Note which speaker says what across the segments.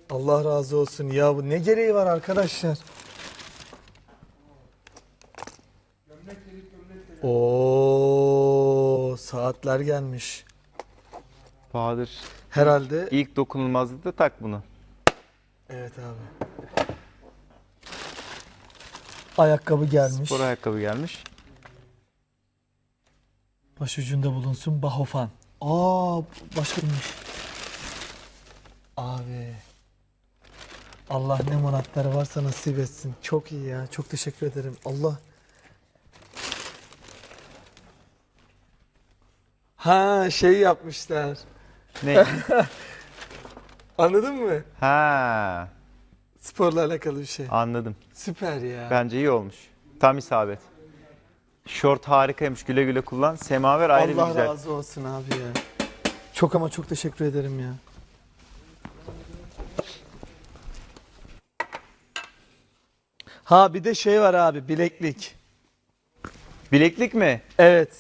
Speaker 1: Allah razı olsun. Ya bu ne gereği var arkadaşlar? Oo, saatler gelmiş.
Speaker 2: Bahadır.
Speaker 1: Herhalde.
Speaker 2: İlk dokunulmazlıkta tak bunu.
Speaker 1: Evet abi. Ayakkabı gelmiş.
Speaker 2: Spor ayakkabı gelmiş.
Speaker 1: Başucunda bulunsun Bahofan. Aa, başkaymış. Abi. Allah ne muratları varsa nasip etsin. Çok iyi ya. Çok teşekkür ederim. Allah. Ha, şey yapmışlar.
Speaker 2: Ne?
Speaker 1: Anladın mı?
Speaker 2: Ha,
Speaker 1: Sporla alakalı bir şey.
Speaker 2: anladım.
Speaker 1: Süper ya.
Speaker 2: Bence iyi olmuş. Tam isabet. Şort harikaymış. Güle güle kullan. Semaver ayrı bir
Speaker 1: Allah
Speaker 2: güzel.
Speaker 1: razı olsun abi ya. Çok ama çok teşekkür ederim ya. Ha bir de şey var abi, bileklik.
Speaker 2: Bileklik mi?
Speaker 1: Evet.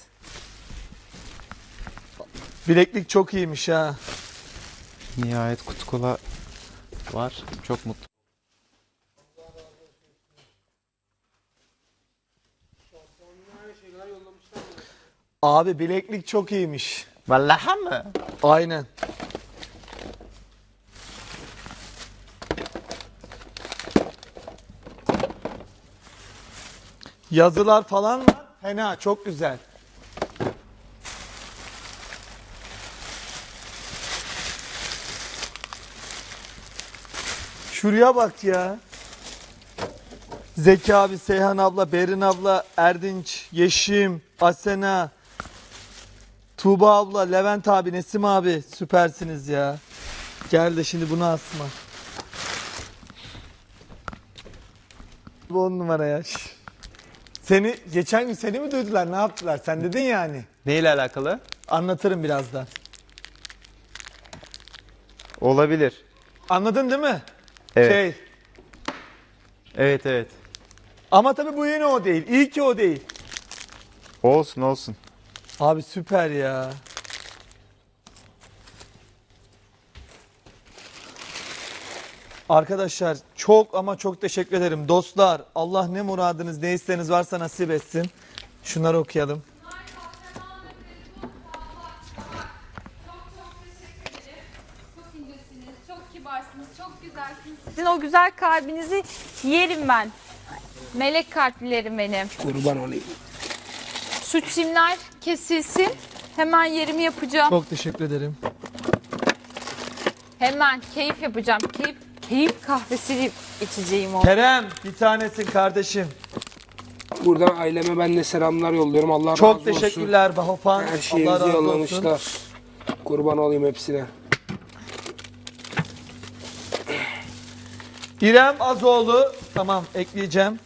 Speaker 1: Bileklik çok iyiymiş ha.
Speaker 2: Nihayet kutu kola var. Çok mutlu.
Speaker 1: Abi bileklik çok iyiymiş.
Speaker 2: Vallahi mı?
Speaker 1: Aynen. Yazılar falan var. Fena, çok güzel. Şuraya bak ya. Zeki abi, Seyhan abla, Berin abla, Erdinç, Yeşim, Asena, Tuğba abla, Levent abi, Nesim abi, süpersiniz ya. Gel de şimdi bunu asma. Bu 10 numara ya. Seni geçen gün seni mi duydular? Ne yaptılar? Sen dedin yani.
Speaker 2: Neyle alakalı?
Speaker 1: Anlatırım birazdan.
Speaker 2: Olabilir.
Speaker 1: Anladın değil mi?
Speaker 2: Evet.
Speaker 1: Şey.
Speaker 2: Evet evet.
Speaker 1: Ama tabii bu yine o değil. İyi ki o değil.
Speaker 2: Olsun olsun.
Speaker 1: Abi süper ya. Arkadaşlar çok ama çok teşekkür ederim. Dostlar, Allah ne muradınız ne isteğiniz varsa nasip etsin. Şunları okuyalım.
Speaker 3: Çok incesiniz, çok kibarsınız, çok güzelsiniz. Sizin o güzel kalbinizi yerim ben. Melek kalplilerim benim.
Speaker 4: Kurban olayım.
Speaker 3: Şu çimler kesilsin. Hemen yerimi yapacağım.
Speaker 1: Çok teşekkür ederim.
Speaker 3: Hemen keyif yapacağım. Keyif kahvesi içeceğim onu.
Speaker 1: Kerem bir tanesin kardeşim.
Speaker 4: Buradan aileme ben de selamlar yolluyorum. Allah razı
Speaker 1: Çok
Speaker 4: olsun.
Speaker 1: teşekkürler Bahofan.
Speaker 4: Her
Speaker 1: Allah
Speaker 4: şeyinizi
Speaker 1: razı olsun.
Speaker 4: yollamışlar. Kurban olayım hepsine.
Speaker 1: İrem Azoğlu. Tamam ekleyeceğim.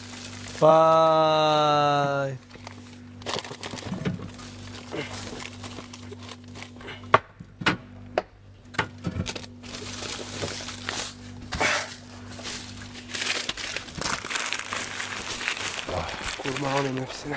Speaker 1: Vay.
Speaker 4: Kurban olayım hepsine.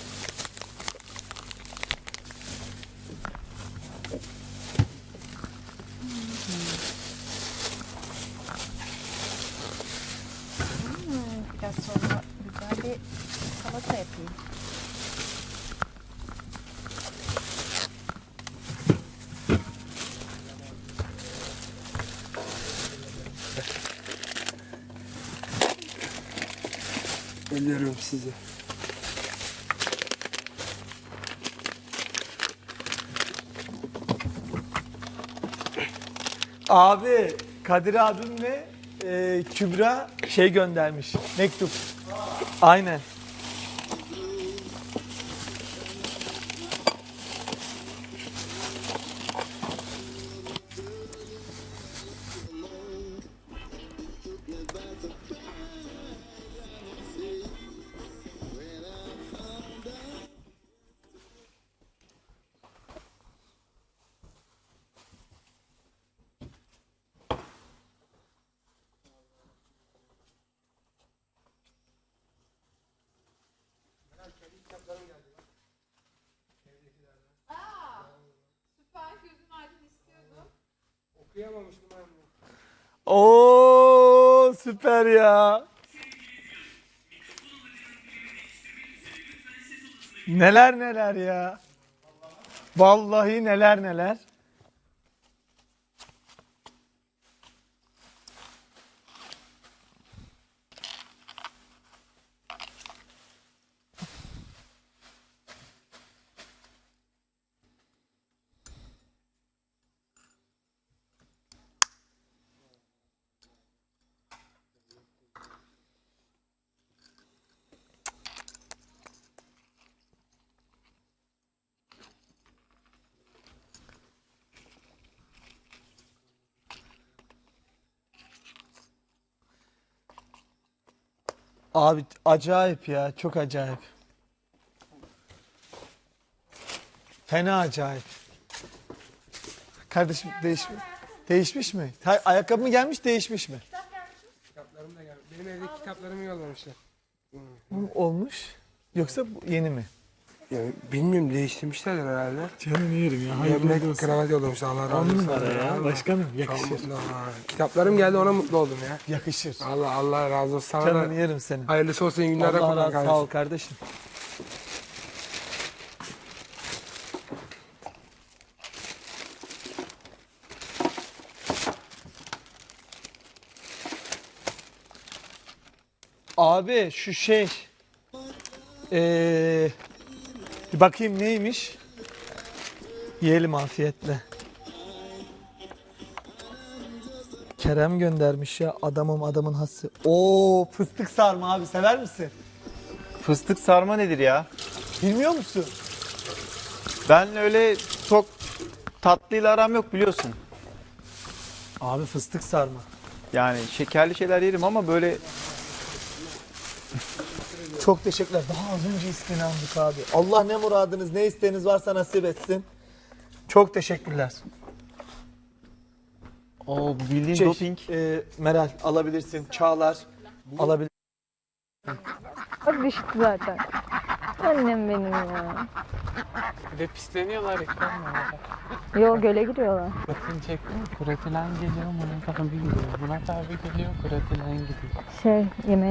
Speaker 3: Biraz sonra güzel bir salata yapayım.
Speaker 4: Ölüyorum sizi.
Speaker 1: Abi Kadir abimle Kübra şey göndermiş. Mektup. Aynen.
Speaker 3: Süper gözün aydın istiyordum.
Speaker 4: Okuyamamıştım ben bunu.
Speaker 1: Oo süper ya. Neler neler ya. Vallahi neler neler. Abi acayip ya, çok acayip. Fena acayip. Kardeşim değişmiş mi? Ayakkabı mı gelmiş, değişmiş mi?
Speaker 4: Kitaplarım da geldi. Benim evdeki kitaplarımı yollamışlar.
Speaker 1: Olmuş. Yoksa yeni mi?
Speaker 4: Yani bilmiyorum, değiştirmişlerdir herhalde.
Speaker 1: Canını yerim ya.
Speaker 4: Gömlek, kravat yollamışlar. Allah razı olsun.
Speaker 1: Başkanım
Speaker 4: Çok
Speaker 1: yakışır.
Speaker 4: mutlu. Kitaplarım geldi, ona mutlu oldum ya.
Speaker 1: Yakışır.
Speaker 4: Allah razı olsun. Sana
Speaker 1: Canını
Speaker 4: da
Speaker 1: yerim senin.
Speaker 4: hayırlısı olsun, iyi günlerde
Speaker 1: Allah
Speaker 4: kullan
Speaker 1: razı
Speaker 4: kardeşim.
Speaker 1: sağ ol kardeşim. Abi şu şey bir bakayım neymiş? Yiyelim afiyetle. Kerem göndermiş ya, adamın hası. Oo fıstık sarma abi, sever misin?
Speaker 2: Fıstık sarma nedir ya?
Speaker 1: Bilmiyor musun?
Speaker 2: Ben öyle çok tatlıyla aram yok biliyorsun.
Speaker 1: Abi fıstık sarma.
Speaker 2: Yani şekerli şeyler yerim ama böyle
Speaker 1: Çok teşekkürler. Daha az önce isteğini aldık abi. Allah ne muradınız, ne isteğiniz varsa nasip etsin. Çok teşekkürler.
Speaker 2: o bildiğin
Speaker 1: Şey,
Speaker 2: doping.
Speaker 1: Meral alabilirsin. Çağlar alabilir.
Speaker 5: Bak düştü zaten. Annem benim ya.
Speaker 6: Bir de pisleniyorlar ekranla.
Speaker 5: Yo göle giriyorlar.
Speaker 6: Bakın çektim. Kuratilen geliyor, Murat abi gidiyor. Murat abi geliyor, Kuratilen gidiyor.
Speaker 5: Şey yemeğe